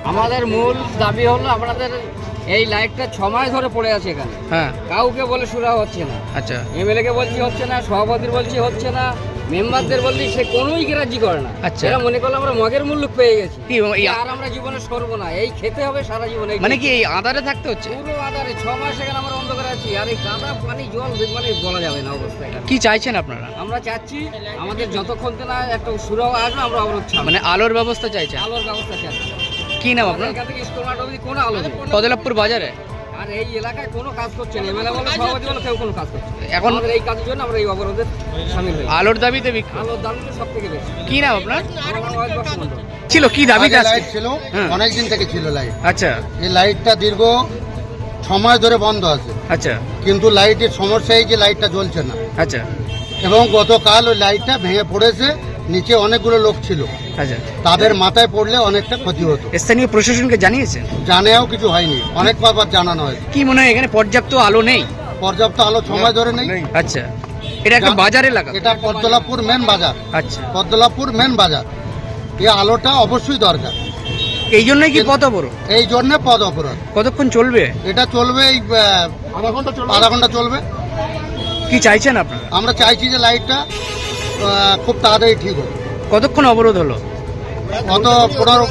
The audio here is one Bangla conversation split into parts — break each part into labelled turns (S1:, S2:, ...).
S1: আমাদের মূল দাবি হলো আপনাদের এই লাইটটা 6 মাস ধরে পড়ে আছে এখানে।
S2: হ্যাঁ,
S1: কাউকে বলে সুরা হচ্ছে না।
S2: আচ্ছা,
S1: এমএলএ কে বলছি হচ্ছে না, সভাপতির বলছি হচ্ছে না, মেম্বারদের বলছি সে কোনোই গ্রাহ্য করে না।
S2: আচ্ছা।
S1: এরা মনে করলো আমরা মগের মূল্য পেয়ে গেছি,
S2: কি
S1: আর আমরা জীবনে সরবো না, এই খেতে হবে সারা জীবনে।
S2: মানে কি এই আধারে থাকতে হচ্ছে?
S1: পুরো আধারে 6 মাস এখানে আমরা অন্ধকারে আছি, আর এই কাদা পানি জল মানে বলা যাবে না অবস্থা এখানে।
S2: কি চাইছেন আপনারা?
S1: আমরা চাচ্ছি আমাদের যতক্ষণ না একটা সুরাও আসবে আমরা অবরোধ ছাড়বো।
S2: মানে আলোর ব্যবস্থা চাইছেন?
S1: আলোর ব্যবস্থা চাচ্ছি।
S2: কি নাম আপনার?
S1: এখান থেকে স্কুল মাঠ অবধি কোনো আলো নেই।
S2: কদলাপুর বাজারে
S1: আর এই এলাকায় কোনো কাজ করছে না, এমএলএ বলে সভাপতি বলে কেউ কোনো কাজ করছে না।
S2: এখন
S1: আমাদের এই কাজের জন্য আমরা এই অবরোধে শামিল হই।
S2: আলোর দাবিতে বিক্ষোভ।
S1: আলোর দাম তো সব থেকে বেশি।
S2: কি নাম আপনার?
S1: আমার নাম ওয়াহিদ বক্স মণ্ডল।
S2: ছিল কি দাবিতে
S3: আগে
S2: আজকে?
S3: লাইট ছিল,
S2: হ্যাঁ।
S3: অনেক দিন থেকে ছিল লাইট।
S2: আচ্ছা
S3: এই লাইটটা দীর্ঘ 6 মাস ধরে বন্ধ আছে,
S2: আচ্ছা
S3: কিন্তু লাইটের সমস্যা এই যে লাইটটা জ্বলছে না।
S2: আচ্ছা
S3: এবং গতকাল ওই লাইটটা ভেঙে পড়েছে, নিচে অনেকগুলো লোক ছিল,
S2: আচ্ছা।
S3: তাদের মাথায় পড়লে অনেকটা ক্ষতি হতো।
S2: স্থানীয় প্রশাসনকে জানিয়েছেন?
S3: জানেও কিছু হয়নি, অনেক বার জানানো হয়েছে।
S2: কি মনে হয় এখানে পর্যাপ্ত আলো নেই?
S3: পর্যাপ্ত আলো 6 মাস ধরে নেই।
S2: আচ্ছা, এটা একটা বাজার এলাকা?
S3: এটা পদ্মলাপুর মেন বাজার,
S2: আচ্ছা,
S3: পদ্মলাপুর মেন বাজার। এই আলোটা অবশ্যই দরকার,
S2: এই জন্যই কি পথ অবরোধ?
S3: এই জন্য পদ অপরাধ।
S2: কতক্ষণ চলবে?
S3: এটা চলবে এই আধা ঘন্টা চলবে।
S2: কি চাইছেন আপনারা?
S3: আমরা চাইছি যে লাইটটা খুব তাড়াতাড়ি ঠিক হোক।
S2: কতক্ষণ অবরোধ হলো?
S3: কত 15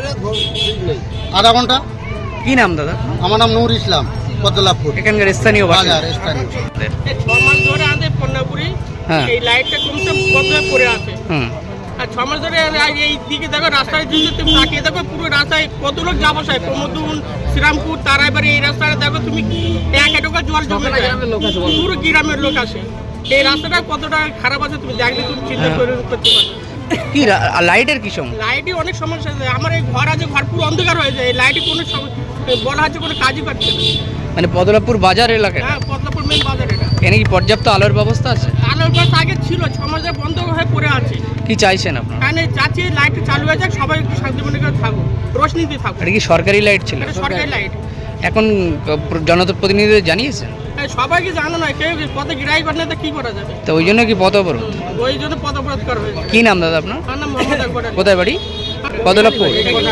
S3: আধা ঘন্টা।
S2: কি নাম দাদা?
S3: আমার নাম নূর ইসলাম, পদ্মলাপুর
S2: এখানকার স্থানীয়
S3: বাজার
S2: বাজার।
S3: স্থানীয়।
S4: 6 মাস ধরে আমাদের পণ্যপুরি
S2: হ্যাঁ।
S4: এই লাইটটা কমসে কম পড়ে আছে।
S2: হুম,
S4: আর 6 মাস ধরে এই দিকে দেখো রাস্তায় যদি তুমি তাকিয়ে দেখো পুরো রাস্তায় কত লোক যা বসায়, প্রমোদুন, শ্রীরামপুর, তারাইবাড়ি, এই রাস্তাটা দেখো তুমি এক এটুকু জল জমে যায়।
S1: গ্রামের লোক আছে বলো।
S4: পুরো গ্রামের লোক আসে। এই রাস্তাটা কতটা খারাপ আছে তুমি দেখলে তুমি চিন্তা করে করতে পারো।
S2: কি লাইটের কি সমস্যা?
S4: লাইটই অনেক সমস্যা আছে। আমার এই ঘর আছে, ঘর পুরো অন্ধকার হয়ে যায়। এই লাইটই কোনো বলা হচ্ছে কোনো কাজই করছে না।
S2: মানে পদলাপুর বাজার এলাকায়
S4: হ্যাঁ, পদ্মপুর মেন বাজার এটা।
S2: এখানে কি পর্যাপ্ত আলোর ব্যবস্থা আছে?
S4: আলোর গাছ আগে ছিল, 6 মাস ধরে বন্ধ হয়ে পড়ে আছে।
S2: কি চাইছেন আপনারা?
S4: এখানে চাচ্ছি লাইট চালু হয়ে যাক, সবাই একটু শান্তিমনে করে থাকুক, রোশনিতে থাকুক।
S2: এটা কি সরকারি লাইট ছিল?
S4: এটা সরকারি লাইট।
S2: এখন জনপ্রতিনিধিদের জানিয়েছেন?
S4: সবাইকে জানো না, কেউ পথে গিরাই করে না, তো কি করা যাবে?
S2: তো ওই জন্য কি পথ অবরোধ?
S4: ওই জন্য পথ অবরোধ করা হয়েছে।
S2: কি নাম দাদা আপনার?
S4: আমার নাম মোহাম্মদ আকবর আলী।
S2: কোথায় বাড়ি? কদলাপুর।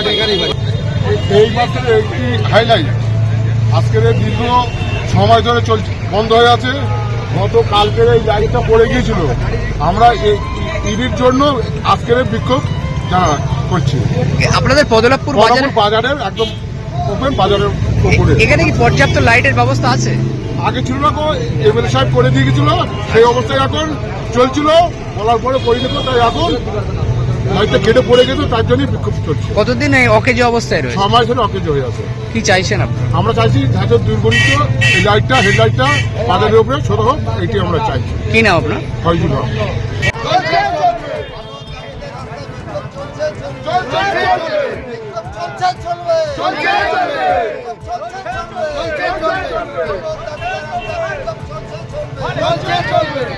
S5: এই মাসের একটি হাইলাইট আজকের এই দীর্ঘ 6 মাস ধরে চলছে, বন্ধ হয়ে আছে। গত কালকের এই লাইটটা পড়ে গিয়েছিল। আমরা এই ঈদের জন্য আজকের এই বিক্ষোভ করছি।
S2: আপনাদের পদলাপুর বাজারে
S5: বাজারের একদম ওপেন বাজারের উপরে।
S2: এখানে কি পর্যাপ্ত লাইটের ব্যবস্থা আছে?
S5: আগে ছিল না, এমএলএ সাহেব করে দিয়ে গেছিল, সেই অবস্থায় এখন চলছিল, বলার পরে করে দিত, তাই এখন লাইটটা কেটে পড়ে গেছে, তার জন্যই বিক্ষোভ চলছে।
S2: কতদিন এই অকেজো অবস্থায় রয়েছে?
S5: 6 মাস ধরে অকেজ হয়ে আছে।
S2: কি চাইছেন আপনারা?
S5: আমরা চাইছি যাতে দুর্গণিত এই লাইটটা, হেডলাইটটা বাজারের উপরে ছোট হোক, এইটি আমরা চাইছি।
S2: কি নাম আপনার?
S5: ফয়জুল হক।
S6: চলছে